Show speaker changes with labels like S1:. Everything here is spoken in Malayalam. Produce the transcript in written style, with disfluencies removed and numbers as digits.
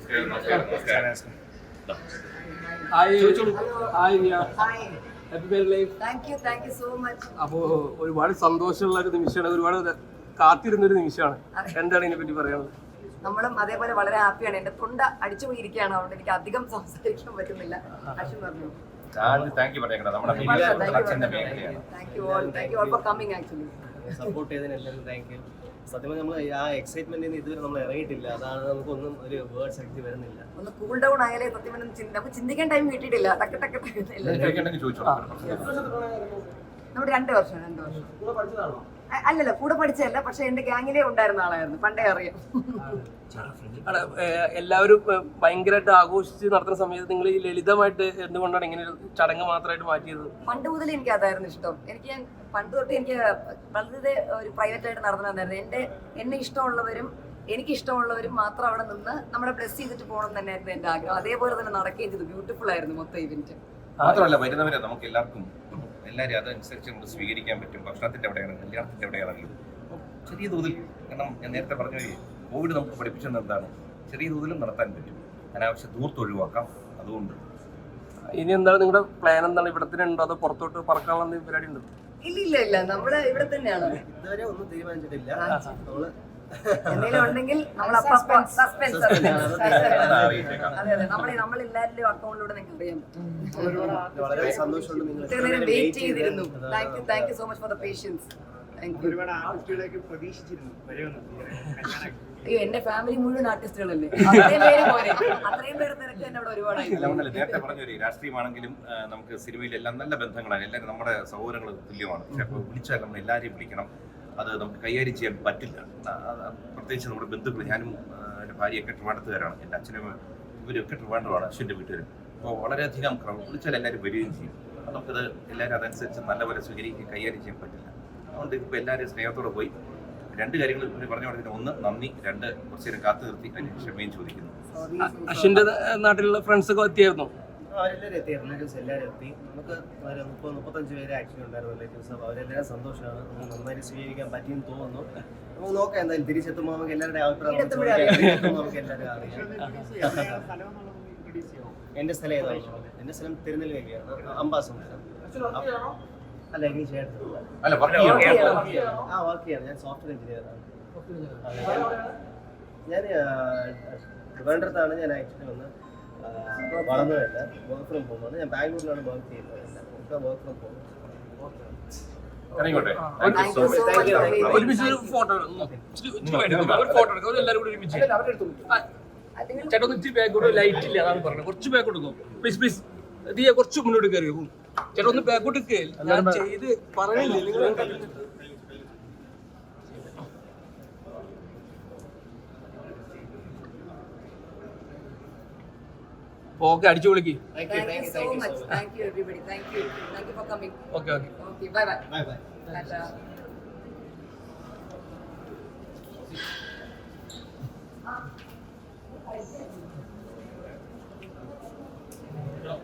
S1: അപ്പോ ഒരുപാട് സന്തോഷമുള്ള ഒരു നിമിഷമാണ്, ഒരുപാട് കാത്തിരുന്നൊരു നിമിഷമാണ്. എന്താണ് ഇതിനെ പറ്റി പറയുന്നത്?
S2: നമ്മളും അതേപോലെ വളരെ ഹാപ്പിയാണ്. എന്റെ തൊണ്ട അടിച്ചു പോയിരിക്കുകയാണ്, അതുകൊണ്ട് എനിക്ക് അധികം സംസാരിക്കാൻ പറ്റുന്നില്ല. അശ്വിൻ പറഞ്ഞു.
S3: സപ്പോർട്ട് ചെയ്തതിനെല്ലാം താങ്ക് യു. സത്യം പറഞ്ഞാൽ നമ്മൾ ആ എക്സൈറ്റ്മെന്റിന് ഇതുവരെ നമ്മൾ ഇറങ്ങിയിട്ടില്ല. അതാണ് നമുക്കൊന്നും ഒരു വേർഡ് ശക്തി വരുന്നില്ല.
S2: ഒന്ന് കൂൾ ഡൗൺ ആയാലേ സത്യം നമുക്ക് ചിന്തിക്കാൻ ടൈം കിട്ടിയിട്ടില്ല. നമ്മുടെ 2 വർഷം അല്ലല്ല, കൂടെ പഠിച്ചതല്ല, പക്ഷെ എന്റെ ഗ്യാങ്ങിലേ ഉണ്ടായിരുന്ന ആളായിരുന്നു, പണ്ടേ അറിയാം.
S1: എല്ലാവരും ഭയങ്കരമായിട്ട് ആഘോഷിച്ച് നടത്തുന്ന സമയത്ത് നിങ്ങൾ ഈ ലളിതമായിട്ട് എന്തുകൊണ്ടാണ് ഇങ്ങനെ ഒരു ചടങ്ങ് മാത്രമായിട്ട് മാറ്റിയത്?
S2: പണ്ട് മുതൽ എനിക്ക് അതായിരുന്നു ഇഷ്ടം. ഞാൻ പണ്ട് തൊട്ട് എനിക്ക് വളരെ ഒരു പ്രൈവറ്റ് ആയിട്ട് നടന്നിട്ടുണ്ടായിരുന്നു. എന്നെ ഇഷ്ടമുള്ളവരും എനിക്ക് ഇഷ്ടമുള്ളവരും മാത്രം അവിടെ നിന്ന് നമ്മളെ ബ്ലെസ് ചെയ്തിട്ട് പോകണം തന്നെയായിരുന്നു എന്റെ ആഗ്രഹം. അതേപോലെ തന്നെ നടക്കുകയും ചെയ്തു. ബ്യൂട്ടിഫുൾ ആയിരുന്നു മൊത്തം ഇവന്റ്.
S4: മാത്രമല്ല വരുന്നവരെ നമുക്ക് എല്ലാവർക്കും എല്ലാവരും അതനുസരിച്ച് നമുക്ക് സ്വീകരിക്കാൻ പറ്റും. ഭക്ഷണത്തിന്റെ എവിടെയാണ്, കല്യാണത്തിന്റെ എവിടെയാണെങ്കിലും ചെറിയ തോതിൽ, കാരണം ഞാൻ നേരത്തെ പറഞ്ഞ കോവിഡ് നമുക്ക് പഠിപ്പിച്ചത് എന്താണ്, ചെറിയ തോതിലും നടത്താൻ പറ്റും. അനാവശ്യ ദൂരത്ത് ഒഴിവാക്കാം. അതുകൊണ്ട്
S1: ഇനി എന്താണ് നിങ്ങളുടെ പ്ലാൻ? എന്താണ്, ഇവിടെ തന്നെ ഉണ്ടോ അതോ പുറത്തോട്ട് പറക്കാനുള്ള പരിപാടി ഉണ്ടോ?
S2: ഇല്ല, നമ്മള് ഇവിടെ തന്നെയാണ്.
S3: ഇതുവരെ ഒന്നും തീരുമാനിച്ചിട്ടില്ല.
S2: എന്തെങ്കിലും ഉണ്ടെങ്കിൽ നമ്മൾ സസ്പെൻസ്. അതെ, നമ്മളെല്ലാവരുടെയും അക്കൗണ്ടിലൂടെ നിങ്ങൾക്ക് അറിയാൻ പറ്റും.
S3: വളരെ സന്തോഷമുണ്ട് നിങ്ങൾ
S2: ഇത്രയും നേരം വെയിറ്റ് ചെയ്തിരുന്നു. Thank you so much for the patience. അയ്യോ, എന്റെ ഫാമിലി മുഴുവൻ ആർട്ടിസ്റ്റുകളല്ലേ, അത്രയും പേര് തിരക്ക് തന്നെ അവിടെ ഒരുപാടായി.
S4: നേരത്തെ പറഞ്ഞൊരു രാഷ്ട്രീയമാണെങ്കിലും നമുക്ക് സിനിമയിലെല്ലാം നല്ല ബന്ധങ്ങളാണ്. എല്ലാവരും നമ്മുടെ സഹോദരങ്ങൾ തുല്യമാണ്. പക്ഷെ അപ്പോൾ വിളിച്ചാൽ നമ്മൾ എല്ലാവരെയും വിളിക്കണം. അത് നമുക്ക് കൈകാര്യം ചെയ്യാൻ പറ്റില്ല. പ്രത്യേകിച്ച് നമ്മുടെ ബന്ധുക്കൾ, ഞാനും എൻ്റെ ഭാര്യയൊക്കെ ട്രിവാൻഡ്രത്തുകാരാണ്. എൻ്റെ അച്ഛനും ഇവരൊക്കെ ട്രിവാൻഡ്രമാണ്, അശ്വിൻ്റെ വീട്ടുകാരും. അപ്പോൾ വളരെയധികം വിളിച്ചാൽ എല്ലാവരും വരികയും ചെയ്യും. നമുക്കത് എല്ലാവരും അതനുസരിച്ച് നല്ലപോലെ സ്വീകരിക്കുകയും കൈകാര്യം ചെയ്യാൻ പറ്റില്ല. അതുകൊണ്ട് ഇപ്പോൾ എല്ലാവരും സ്നേഹത്തോടെ പോയി 2 കാര്യങ്ങൾ പറഞ്ഞു കൊടുത്തിട്ട്, 1 നന്ദി, 2 കുറച്ച് നേരം കാത്തു നിർത്തി അതിന് ക്ഷമയും ചോദിക്കുന്നു.
S1: അശ്വിൻ്റെ നാട്ടിലുള്ള ഫ്രണ്ട്സ് ഒക്കെ എത്തിയായിരുന്നു?
S3: അവരെല്ലാവരും എത്തി, റിലേറ്റീവ്സ് എല്ലാവരും എത്തി. നമുക്ക് 30-35 പേര് ആക്ച്വലി ഉണ്ടായിരുന്നു റിലേറ്റീവ്സ്. അപ്പോൾ അവരെല്ലാവരും സന്തോഷമാണ്. നമുക്ക് നന്നായിട്ട് സ്വീകരിക്കാൻ പറ്റിയെന്ന് തോന്നുന്നു. നമുക്ക് നോക്കാം, എന്തായാലും തിരിച്ചെത്തുമ്പോൾ നമുക്ക് എല്ലാവരുടെയും അഭിപ്രായം നമുക്ക് എല്ലാവരും അറിയാം. എൻ്റെ സ്ഥലം ഏതാണോ? എൻ്റെ സ്ഥലം തിരുനെൽവേലിയാണ്, അംബാസമുദ്രം. അല്ല, എനിക്ക് ചേട്ടൻ വർക്ക് ചെയ്യാണ്. ഞാൻ സോഫ്റ്റ്വെയർ എഞ്ചിനീയറാണ്. ഞാൻ ട്രിവാൻഡ്രത്താണ് ഞാൻ ആക്ച്വലി വന്ന് വളർന്നതല്ല. വർക്ക് ഫ്രം ഹോമാണ്. ഞാൻ ബാംഗ്ലൂരിലാണ് വർക്ക് ചെയ്യുന്നത്. Work from home.
S1: ചേട്ടാ ഇച്ചിരി ബാക്കോട്ട്, ലൈറ്റ് ഇല്ല, അതാണ് പറഞ്ഞത്. കുറച്ച് ബാക്കോട്ട് പോകും പ്ലീസ്. ദിയ കുറച്ച് മുന്നോട്ട് കയറി പോകും. ചേട്ടാ ഒന്ന് ബാക്കോട്ട് ഞാൻ ചെയ്ത് പറയില്ലേ നിങ്ങൾ. ഓക്കെ, അടിച്ചു വിളിക്ക്. Okay,
S2: by.